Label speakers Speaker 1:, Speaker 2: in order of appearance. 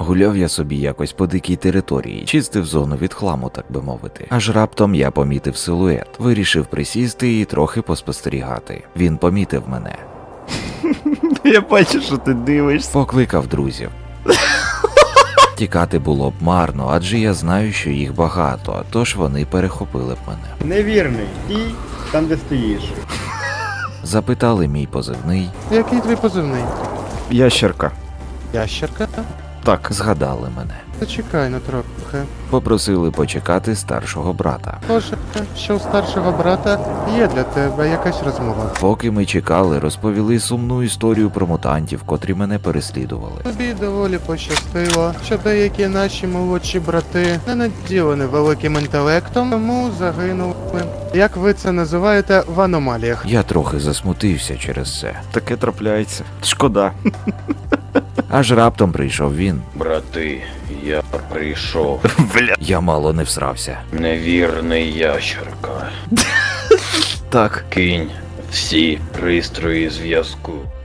Speaker 1: Гуляв я собі якось по дикій території, чистив зону від хламу, так би мовити. Аж раптом я помітив силует. Вирішив присісти і трохи поспостерігати. Він помітив мене.
Speaker 2: Я бачу, що ти дивишся.
Speaker 1: Покликав друзів. Тікати було б марно, адже я знаю, що їх багато, тож вони перехопили б мене.
Speaker 3: Невірний. Стій там, де стоїш.
Speaker 1: Запитали мій позивний,
Speaker 4: Який твій позивний?
Speaker 2: Ящерка.
Speaker 4: Ящерка?
Speaker 2: Так.
Speaker 1: згадали мене.
Speaker 4: Зачекай на трохи.
Speaker 1: Попросили почекати старшого брата.
Speaker 4: Схоже, що у старшого брата є для тебе якась розмова.
Speaker 1: Поки ми чекали, розповіли сумну історію про мутантів, котрі мене переслідували.
Speaker 4: Тобі доволі пощастило, що деякі наші молодші брати не наділені великим інтелектом, тому загинули. Як ви це називаєте, в аномаліях.
Speaker 1: Я трохи засмутився через це.
Speaker 2: Таке трапляється. Шкода.
Speaker 1: Аж раптом прийшов він.
Speaker 5: Брати, я прийшов.
Speaker 2: Бля.
Speaker 1: Я мало не всрався.
Speaker 5: Невірний ящерка.
Speaker 2: Так.
Speaker 5: Кинь всі пристрої зв'язку.